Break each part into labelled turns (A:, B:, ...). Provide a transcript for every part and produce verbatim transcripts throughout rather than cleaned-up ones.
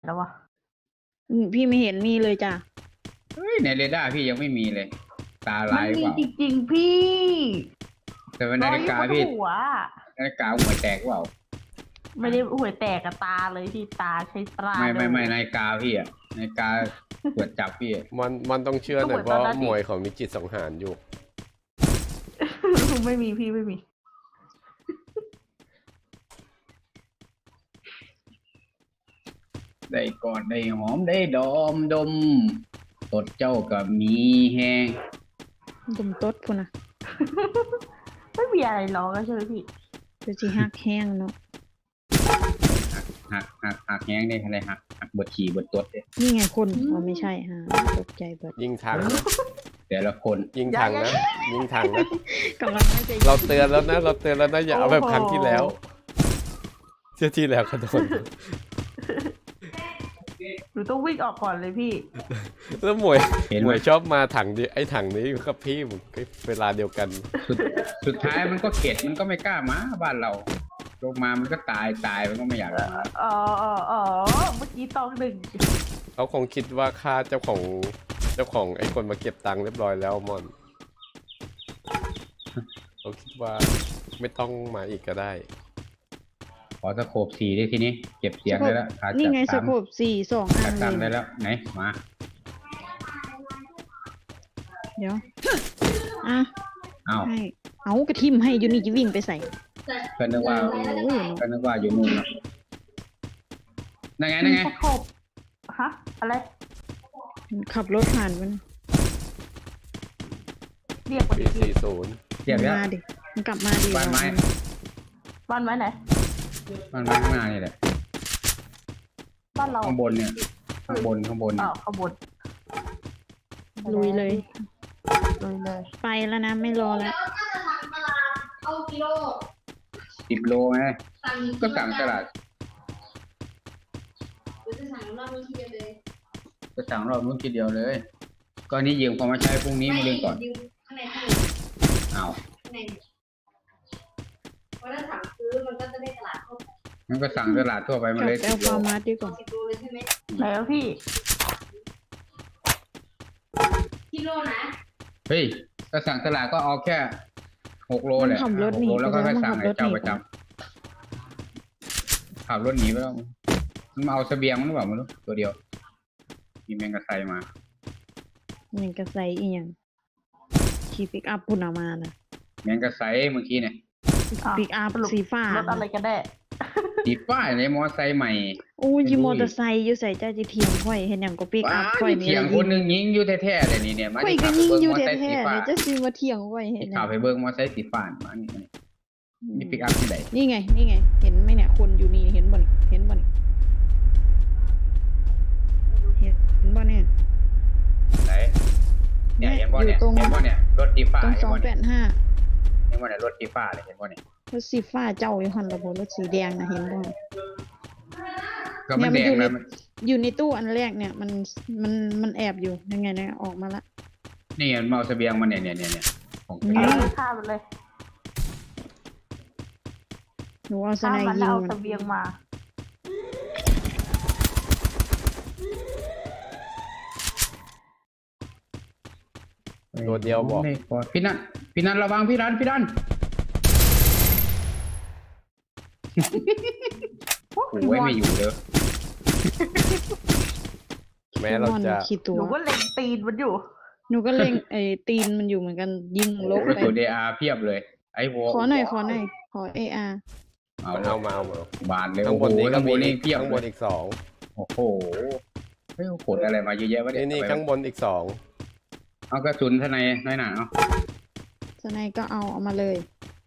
A: แล้ววะ
B: พี่ไม่เห็นมีเลยจ้ะ
C: เฮ้ยในเรดาร์พี่ยังไม่มีเลย ตาลายเปล่า
A: จริงๆพี่
C: แต่ว่านาฬิกาพี่นาฬิกาหัวแตกเปล่า
A: ไม่ได้หัวแตกกับตาเลยที่ตาใช้ตา
C: ไม่ไม่ไม่นาฬิกาพี่อะนาฬิกาตรวจจับพี่
D: มันมันต้องเชื่อหน่อยเพราะหมวยเขามีจิตสังหารอยู่
A: ไม่มีพี่ไม่มี
C: ได้กอดได้หอมได้ดมดมตดเจ้ากับมีแห้ง
B: ดมตดพูนะ
A: ไม่มีอะไรหรอกใช่ไหมพี่
B: จะจีหักแห้งเนาะ
C: หักหักหักแห้งได้อะไรหักหักบดขี่บดตดเนี่ย
B: นี่ไงคนอ๋อไม่ใช่ฮะตกใจเบิด
D: ยิงทาง
C: แต่ละคน
D: ยิงทางนะยิงทางนะ
B: กำลัง
D: เราเตือนแล้วนะเราเตือนแล้วนะอย่าเอาแบบครั้งที่แล้วเชื่อที่แล้วกระโดด
A: หนูต้องวิ่งออกก่อนเลยพี่
D: แล้วหมวยหมวยชอบมาถังดิไอ้ถังนี้อยู่กับพี่ผมเวลาเดียวกัน
C: สุดท้ายมันก็เข็ดมันก็ไม่กล้ามาบ้านเราลงมามันก็ตายตายมันก็ไม่อยากมา
A: อ๋ออ๋อเมื่อกี้ตองหนึ่ง
D: เขาคงคิดว่าค่าเจ้าของเจ้าของไอ้คนมาเก็บตังค์เรียบร้อยแล้วมอนเขาคิดว่าไม่ต้องมาอีกก็ได้
C: ขอสโคปสี่ได้ทีนี้เก็บเสียงได้แล้ว
B: นี่ไงสโคปสี่สองอัน
C: เลยได้แล้วไหนมา
B: เดี๋ยวอ่ะ
C: เอา
B: ให้เอากระทิมให้ยูนี่จะวิ่งไปใส่
C: ก็นึกว่าก็นึกว่าอยู่นู่นนั่นไงนั่นไง
A: สโคปฮะอะไร
B: ขับรถผ่านมัน
A: เรียก
D: ปีสี่ศูนย์
C: เรียก
B: มาดิมันกลับมาดิ
C: บ้านไม้
A: บ้านไม้ไหน
C: บ้านไม้ข้างหน้านี่แหละ
A: บ้านเรา
C: ข้างบนเนี่ยข้างบนข้างบน
A: อ๋อข้างบน
B: ลุยเลย
A: ลุยเลย
B: ไปแล้วนะไม่รอแล้ว
E: เอากิโล
C: สิบโลไงก็สั่งตลาด
E: จะสั่งรอบนู้นทีเดียวเลย
C: จะสั่งรอบนู้นทีเดียวเลยก็นี้ยืมเขามาใช้พรุ่งนี้มาเรียนก่อน
E: ข้างในข้างใน
C: เอา
E: ข้างในเพราะถ้าสั่งซื้อมันก็จะได้ตลาดทั่วไป
C: งั้นก็สั่งตลาดทั่วไปมาเลย
B: สิบโลมาดีกว่า
E: สิบโลเลยใช่ไหม
A: แล้วพี่
E: กิโลนะ
C: เฮ้ยก็สั่งตลาดก็เอาแค่หกโลแหละหกโลแล้วก็ไปสั่งไอ้เจ้าประจำขับรถหนีไปแล้วมันมาเอาเสบียงมันหรือเปล่าไม่รู้ตัวเดียวมีแมงกะไซมา
B: แมงกะไซอีหยังขี่ปิกอัพพุ่นเอามานะ
C: แมงกะไซเมื่อกี้เนี่ย
B: ปิกอัพสีฟ้าร
A: ถอะไรกันแน่
C: สีฟ้าเลยมอไซค์ใหม่
B: โอ้ยมอเตอร์ไซค์อยู่ใส่เจ้าจีเทียงค่อยเห็นอย่างก็ปิกอัพค่อย
C: นี่เทียงคนนึงยิงอยู่แท้ๆเลยนี่เนี่ย
B: มาค่อยก็ยิงอยู่แท้ๆเลยจะซื้อมาเทียงค่อยเห็น
C: ข่าวไปเบิ้งมอไซค์สีฟ้ามานี่มีปิกอัพที่ไหน
B: นี่ไงนี่ไงเห็นไหมเนี่ยคนอยู่นี่เห็นบ่เห็นบ่เห็นบ่เนี่ย
C: ไหนเนี่ยเห็นบ่เนี่ยเห็นบ่เนี่ยรถสีฟ้า
B: ตรงสองแปดห้า
C: เห็นบ่เนี่ยรถสีฟ้าเลยเห็นบ่เนี่ย
B: รถสีฟ้าเจ้าอยู่หันระบบรถสีแดงนะเห็นบ่
C: ก็มันแดงนะมัน
B: อยู่ในตู้อันแรกเนี่ยมันมันมันแอบอยู่ยังไงเนี่ยออกมาละ
C: นี่มันเอาเสบียงมาเนี่ยเนี่ยเนี่ย
A: ของข้ามเลย
B: หนูเอาสไนยิง
A: มันเอาเสบียงมา
D: ตัวเดียวบอก
C: พี่นันพี่นันระวังพี่นันพี่นันโอ้ยไม่อยู่เลย
D: แม้เราจะ
A: หนูก็เล็งตีนมันอยู่
B: หนูก็เล็งไอ้ตีนมันอยู่เหมือนกันยิงลบไป
C: ตัวเดอาเพียบเลยไอ้โว
B: ขอหน่อยขอหน่อยขอเออา
C: เอา
D: เอามาเอามา
C: บานเลย
D: ข้างบนนี้
C: ข้างบนนี้เพียบ
D: ข้างบนอีกสอง
C: โอ้โหเฮ้ยขนอะไรมาเยอะแยะวะเนี่ย
D: นี่ข้างบนอีกสอง
C: เอากระสุนทนายน้อยหนาเอา
B: ทนายก็เอาเอามาเลย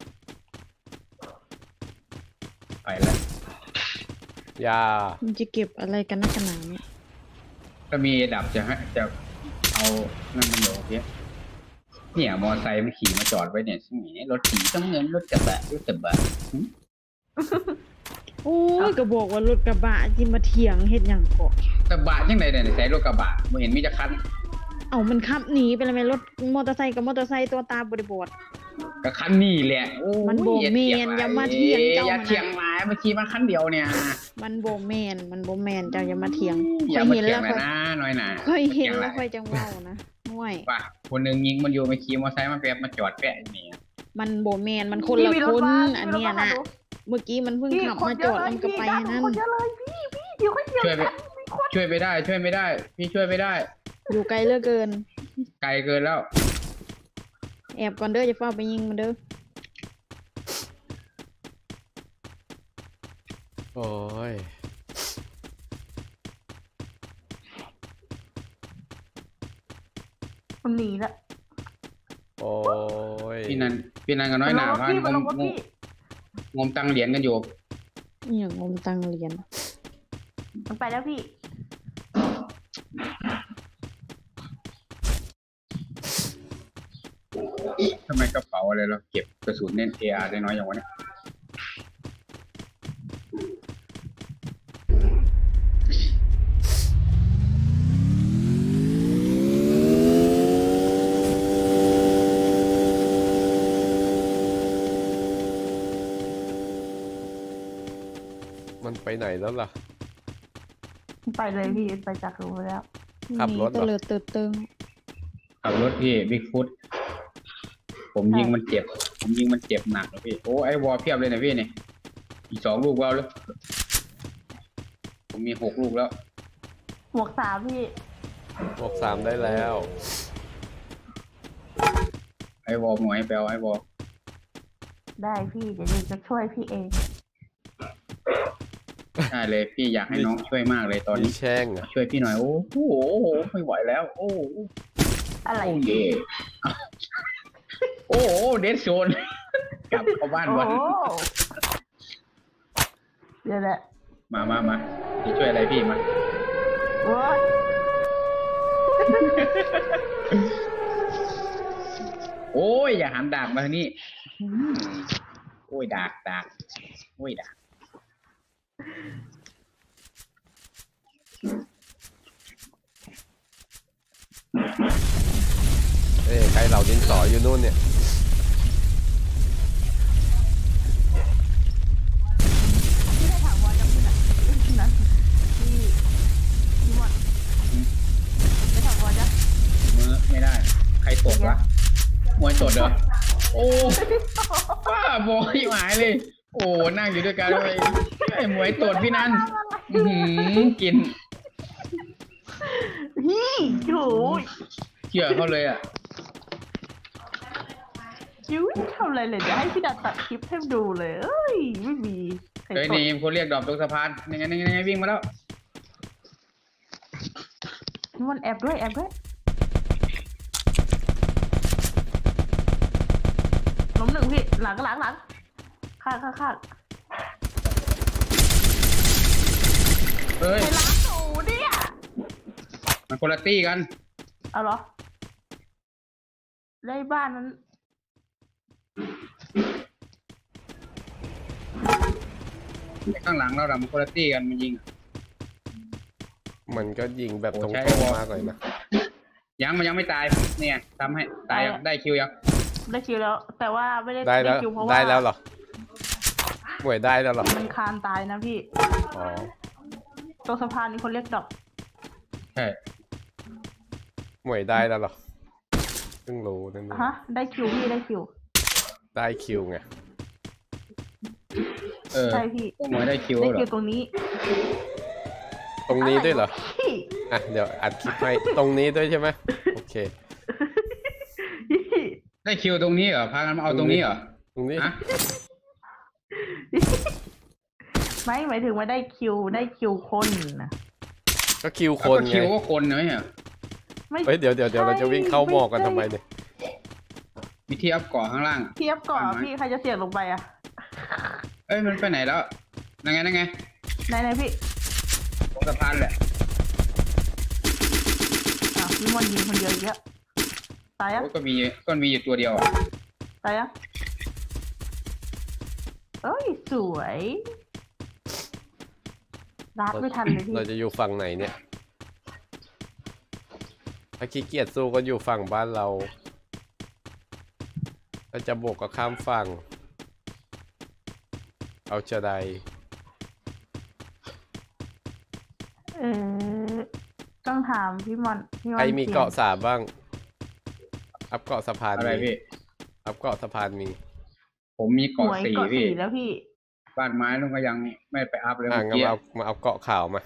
C: ไปแล้ว
D: ยา
B: มันจะเก็บอะไรกันนักหนาเนี่ย
C: ก็มีดับจะให้จะเอานั่นมันโหลเนี้ยเนี่ยมอไซค์มันขี่มาจอดไว้เนี่ยซึ่งนี่รถขี่ต้องเงินรถกระบะรถกระบะ
B: โอ้ยก็บอกว่ารถกระบะจิมาเถียงเฮ็ดอย่างเกาะ
C: กระบะยังไงเนี่ยใส่รถกระบะไม่เห็นมีจะคัน
B: เอามันขับหนีไปเลยไหมรถมอเตอร์ไซค์กับมอเตอร์ไซค์ตัวตาบริบท
C: ก็คันนี่แหละ
B: มันโบเมียนอย่ามาเถียงเจ้า
C: อย่าเถียงไว้มาขี่มาคันเดียวเนี่ย
B: มันโบแมนมันโบแมนเจ้าอย่ามาเถียง
C: อ
B: ค่
C: ย่า
B: อย
C: มา
B: เห็น
C: เถีย
B: แล้
C: ง
B: ว
C: เลย
B: ค่อย
C: นะน้อยหนา
B: ค่อยเห็น
C: ถีง
B: แล้ว
C: ไร
B: ค่อยจังเว้านะห่วย
C: ป่ะคนหนึ่งยิงมันอยู่มาขี่มอเตอร์ไซค์มาแปบมาจอดแปะนี่
B: มันโบแมนมันคน
A: พี่
B: ละ
A: มีร
B: ค
A: ถ
B: น
A: มา
B: อัน
A: มีรถ
B: เนี้ย
A: มา
B: นะ
A: ดู
B: เมื่อกี้มันเพิ่ง
A: พี่
B: ขับ
A: คน
B: มา
A: เย
B: จ
A: อะ
B: อด
A: เลย
B: มันก็
A: พี่
B: ไป
A: ด้านหลั
B: นั่
A: ง
B: น
A: คนเยอะเลยพี่พี่เดี๋ยวค่อยเดียว
C: ช่วยไป
A: กันมีคน
C: ช่วยไปได้ ช่วยไม่ได้ พี่ช่วยไม่ได้
B: อยู่ไกลเหลือเกิน
C: ไกลเกินแล้ว
B: แอบก่อนเด้อจะเฝ้าไปยิงมันเด้อ
D: โอ้ย
A: มันหนีละ
D: โอ้ย
C: พี่นันพี่นันกับน้อยหนา
A: มันลงรถพี่
C: พา
A: มัน
C: ง
A: ล
C: ม
A: งรถพี่
C: งมตังเหรียญกันอยู่
B: อหย่างงมตังเหรียญ
A: มันไปแล้วพี่
C: ทำไมกระเป๋าอะไรเราเก็บกระสุนเน้นเออาร์ได้น้อยอย่างวะเนี่ย
D: มันไปไหนแล้วล่ะ
A: ไปเลยพี่ไปจากรูแล้ว
D: ขับรถเหรอ
B: เตลิดเติดเติง
C: ขับรถพี่บิ๊กฟุตผมยิงมันเจ็บ ผมยิงมันเจ็บหนักเลยพี่โอ้ไอวอลเพียบเลยนะพี่เนี่ยอีกสองลูกแล้วเลยผมมีหกลูกแล้ว
A: หมวกสามพี่
D: บวกสามได้แล้ว
C: ไอวอลหมวยไปเอาไอวอล
A: ได้พี่เดี๋ยวหนูจะช่วยพี่เอง
C: ใช่เลยพี่อยากให้น้องช่วยมากเลยตอน
D: มี
C: นี้
D: แช่งอ่ะ
C: ช่วยพี่หน่อยโอ้โหไม่ไหวแล้ว โอ้โห
A: อะไร
C: โอ้เย่โอ้โหเดดโซนกลับเข้าบ้าน
A: โอ้
C: วัน
A: โหเดี๋ยวแหละ
C: มามามาจะช่วยอะไรพี่มา
A: โอ้ย
C: โอ้ยอย่าหันดาบมาทางนี้อืมโอ้ยดาบดาบโอ้ยดาบ
D: เอ้ยใครเหล่าดินสออยู่นู่นเนี่ย
A: พี่ได้ถามว่าจะพูดอะไรนั้นพี่พี่หมดได้ถามว่าจะ
C: มือไม่ได้ ใครตดวะมวยตดเหรอโอ้ป้าบอยหมายเลย โอ้นั่งอยู่ด้วยกันเลยไอ้มวยตดพี่นันอื้อหือกิน
A: พี่โอ้ย
C: เชื่อเขาเลยอ่ะ
A: คิวทำอะไรเลยเดี๋ยวให้พี่ดัดตัดคลิปให้ดูเลยเอ้ยไม่มีใคร
C: เฮ้ย
A: ส
C: นี่
A: น
C: คนเรียกดอกตรงสะพานยังไงยังไงยังไงวิ่งมาแล้ว
A: มันแอบด้วยแอบด้วยล้มหนึ่งพี่หลังหลังหลังข้างข้างข้าง
C: เฮ้ย
A: ไปล้างหนูเนี่ย
C: มันคนละตี้กัน
A: เอาเหรอได้บ้านนั้น
C: ไอ้ข้างหลังเราดำมันคนละตี้กันมันยิง
D: มันก็ยิงแบบตรง
C: โอ้ใช่
D: ๆมากเลยนะ
C: ยังมันยังไม่ตายเนี่ยทำให้ตายยังได้คิวยัง
A: ได้คิวแล้ว แต่ว่าไม่ได้
D: ได้แล้ว
A: คิวเพราะว่า
D: ได้แล้วเหรอหวยได้แล้วเหรอ
A: มันคานตายนะพี่
D: อ๋อ
A: ตรงสะพานมีคนเรียกดอก
C: ใช่
D: หวยได้แล้วเหรอเพิ่งรู้นั่นเอง
A: ฮะได้คิวพี่ได้คิว
D: ได้คิวไง
C: เออ
A: ใช่พี่
C: พวกหมวยได้คิว
A: ได้
C: เหร
A: คิ
C: อ
A: วตรงนี้
D: ตรงนี้ด้วยเหรอ
A: พี่
D: อ่ะเดี๋ยวอัดคลิปให้ตรงนี้ด้วยใช่ไหมโอเค
C: ได้คิวตรงนี้เหรอพากันมาเอาตรงนี้เหรอ
D: ตรงนี้
C: ฮะ
A: ไม่หมายถึงว่าได้คิวได้คิวคนนะ
D: ก็คิว
C: แล้ว
D: คน
C: ก็
D: ไง
C: คิวก็คนนะเนี่ย
A: ไม่
D: เฮ้ยเดี๋ยวเดี๋ยวเดี๋ยวเราจะวิ่งเข้าหมอกกันทำไมเนี่ย
C: มีที่อัพเกาะข้างล่าง
A: เทียบก่อน
C: ฟังไหม
A: พี่ใครจะเสี่ยงลงไปอ่ะ
C: เอ้ยมันไปไหนแล้วนั่งไงนั่งไง
A: ไหนไหนพี่
C: ตรงสะพานแหละ
A: อ่ะพี่มอนยิงคนเดียวอีกแล้วตายอ่ะ
C: โอ้ยก็มีก็มีอยู่ตัวเดียวอ่ะ
A: ตายอ่ะเอ้ยสวยรัดไม่ทันเลยพี่
D: เราจะอยู่ฝั่งไหนเนี่ยถ้าขี้เกียจสู้ก็อยู่ฝั่งบ้านเราถ้าจะบวกก็ข้ามฝั่ง เอาจะใด
A: ถามพี่มอนพี่มอน
D: ใครมี
A: เขียน
D: เกาะสามบ้าง อัพเกาะสะพาน
C: อะไร
D: มี
C: พี่
D: อัพเกาะสะพานมี
C: ผมมี
A: ห
C: เกาะ
A: วย
C: สี่
A: เกาะ
C: พี่
A: สี่แล้วพี่
C: บ้านไม้นู่นก็ยังไม่ไปอัพเลย
D: อ่ะ
C: เมื่อ
D: งั้น
C: กี้
D: มาเอามาเอาเกาะขาวมา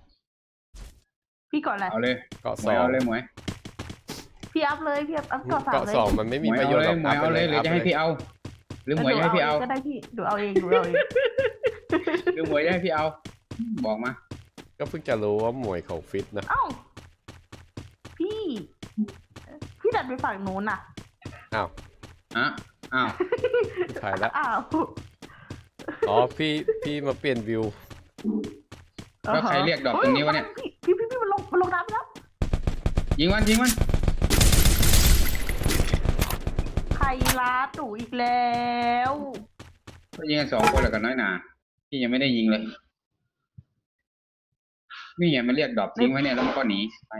A: พี่เกาะอะไร
C: เอาเลย
D: เกาะ
C: หม
D: ส
C: วย
D: อง
C: เอาเลยหมวย
A: พี่อัพเลยพี่อัพอัพเกาะสาม
D: เกาะ
A: เลย
D: สองมันไม่
C: ห
D: มี
C: มวย
D: ประโย
C: เอา
D: ชน์
C: เล
D: หรอย ก
C: หมวยเอาเลยหรือจะให้พี่เอา หรือหมวยจะให้พี่เอา
A: ก็ได้พี่ดูเอาเองดูเอาเอง
C: หรือหมวยจะให้พี่เอา บอกมา
D: ก็เพิ่งจะรู้ว่าหมวยเขาฟิตนะ
A: เอ้าพี่ พี่ดันไปฝั่งนู้นน่ะ
D: อ้าว
C: อ่ะ อ้าว
D: ถ่ายแล้ว
A: อ้าว
D: อ๋อพี่พี่มาเปลี่ยนวิว
C: แล้วใครเรียกดอกตรงนี้วะเนี่ย
A: พี่พี่พี่มันลงมันลงน้ำไปแล้ว
C: ยิงมันยิงมัน
A: ใครล้าตู่อีกแล้ว
C: ก็ยิงกันสองคนแล้วกันน้อยหนาพี่ยังไม่ได้ยิงเลย นี่ไงมันเรียกดอกทิ้งไว้เนี่ยแล้วมันก็หนีไป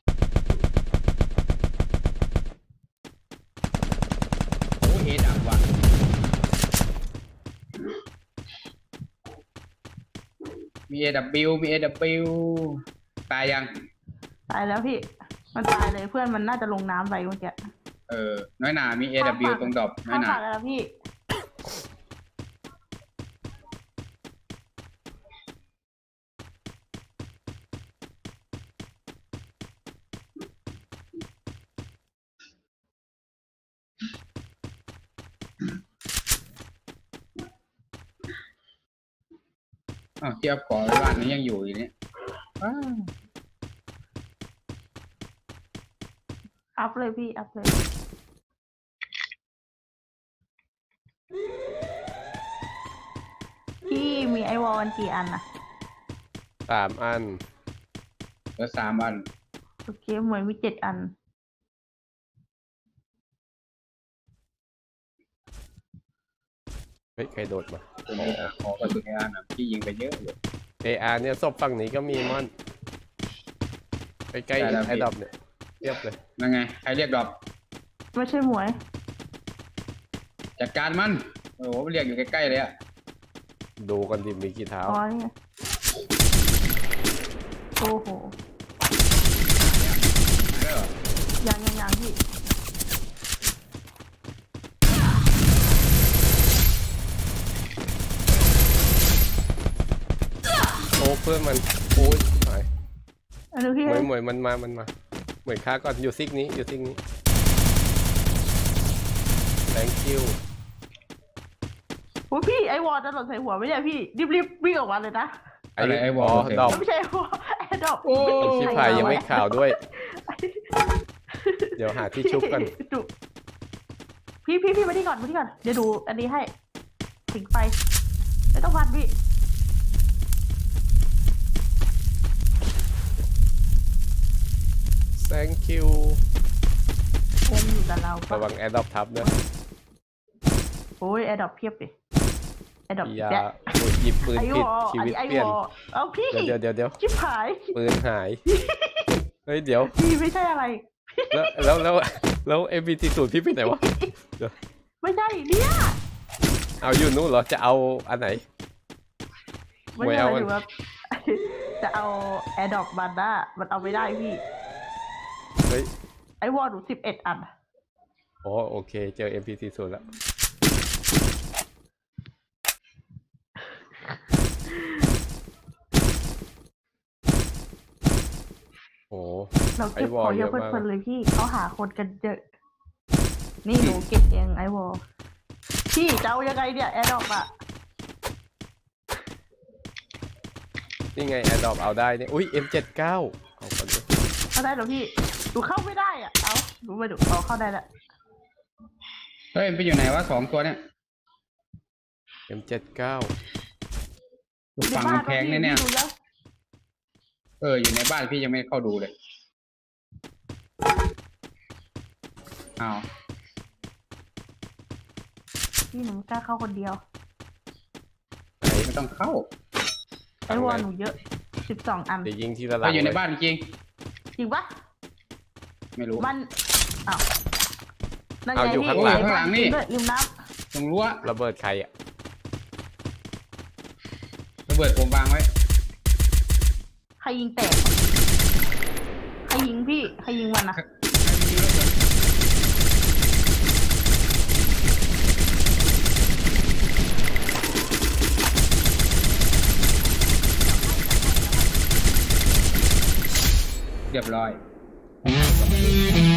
C: โอ้เอดับว่ะ มี เอ ดับเบิลยู มี เอ ดับเบิลยู ตายยัง
A: ตายแล้วพี่ มันตายเลยเพื่อนมันน่าจะลงน้ำไปเมื่อกี้
C: เออ น้อยหนามี เอ ดับเบิลยู ตรงดอกน้อ
A: ข้าย
C: หนา
A: ฝากแล้วพี่
C: อ้าวที่เอาก่อไว้บ้านนี้ยังอยู่อยู่เนี่ยอ้าว
A: อัพเลยพี่ อัพเลย พี่มีไอวอลกันกี่อันนะ
D: สามอัน
C: เหลือสามอัน
A: โอเคเหมือนมีเจ็ดอัน
D: เฮ้ยใครโดดมา
C: ตัวนี้ขอกระสุนเออาร์นะพี่ยิงไปเยอะเลย
D: เออาร์เนี่ยศพฝั่งนี้ก็มีมอนใกล้
C: ได้แล้ว
D: ๆ
C: พี่
D: ไอ้ดอบเนี่ยเรียบเลย
C: นั่นไง ใครเรียกดอก
A: ไม่ใช่หมวย
C: จัดการมัน โอ้โหเรียกอยู่ใกล้ๆเลยอะ
D: ดูกันดิมีกี่เท้า
A: อ๋อนี่ไงโอ้โห
C: มาแล้วเหรอ
A: ยังยังยังพี่
D: โอ้เพื่อนมันโอ้ยหาย
A: อันนี้พี่
D: หมวยหมวยมันมามันมาหมวยค้าก่อนอยู่ซิกนี้อยู่ซิกนี้ thank you
A: โอ้ยพี่ไอวอลจะหล่นใส่หัวไม่ใช่พี่รีบรีบวิ่งออกมาเลยนะ
C: อะไรไอ้วอล
D: ดอก
A: ไม่ใช่วอลไอดอก
C: โอ้
D: ชิบหายยังไม่ข่าวด้วย เดี๋ยวหาที่ชุบกัน
A: ดูพี่พี่พี่มาที่ก่อนมาที่ก่อนเดี๋ยวดูอันนี้ให้ถิงไฟไม่ต้องพันพี่
D: thank you
A: คงอยู่กับเราปะ
D: ระวังแอร์ดรอปทับนะ
A: โอ้ยไอดอกเพียบดิไอดอก
D: ยา
A: แจ๊ะ
D: โอ้ยหยิบปืน
A: ไอ
D: ผิด
A: วอล
D: ชี
A: อัน
D: วิต
A: นี้ไอ
D: เปลี่ยน
A: วอลเอาพี่
D: เดี๋ยวเดี๋ยวเดี๋ยว
A: ชิบหาย
D: ปืนหาย เฮ้ยเดี๋ยว
A: พี่ไม่ใช่อะไร
D: แล้วแล้วแล้วแล้วเอ็มบีทีศูนย์พี่ไปไหนวะ
A: ไม่ใช่เนี่ย
D: เอาอยู่นู้นเหรอ จะเอาอันไหน
A: ไม่
D: ไม่
A: ใช่
D: เอา
A: หมาย
D: มัน
A: ถึงว่า จะเอาแอร์ดอกบันด้ามันเอาไม่ได้พี่
D: เฮ้ย
A: ไอวอลหนูสิบเอ็ดอัน
D: อ๋อโอเค เจอ เอ็ม พี ซี ศูนย์แล้ว โอ้
A: เราเก็บ
D: ไอว
A: ข
D: อล
A: องเยอะ
D: เยอะมาก
A: เพลินๆเลยพี่เขาหาคนกันเยอะ นี่หนูเก็บเองไอวอลพี่จะเอายังไงเนี่ยแอร์ดอกอะ
D: นี่ไงแอร์ดรอปเอาได้เนี่ย อุ้ย เอ็ม เจ็ดสิบเก้า เอาก่อนดิ
A: เข้าได้เหรอพี่หนูเข้าไม่ได้อ่ะเอาหนูไปดูเอาเข้าได้ละ
C: เฮ้ยมันไปอยู่ไหนวะสองตัวเนี่ย
D: เอ็ม เจ็ดสิบเก้า
C: อยู่ฝั่งกำแพงเนี่ยเนี่ย เอออยู่ในบ้านพี่ยังไม่เข้าดูเลยอ้าว
A: พี่หนูไม่กล้าเข้าคนเดียว
C: ไหนไม่ต้องเข้า
A: ไอวอลหนูเยอะสิบสองอัน
D: เดี๋ยวยิงทีละหลั
C: เรา
D: ง
C: อยู่ใน
D: เลย
C: บ้านจริง
A: จริงปะ
C: ๆไม่รู้
A: มันอ้าวนั่นไง
D: เอาอยู่
A: พี่
D: ข้างหลัง
C: ข้างหลังนี่
A: ด้วยริมน้
C: ตรงรั้ว
D: ระเบิดใครอ่ะ
C: ระเบิดผมวางไว้
A: ำใครยิงแตกรยิงพี่ใครยิงมันอ่ะ
C: เรียบร้อย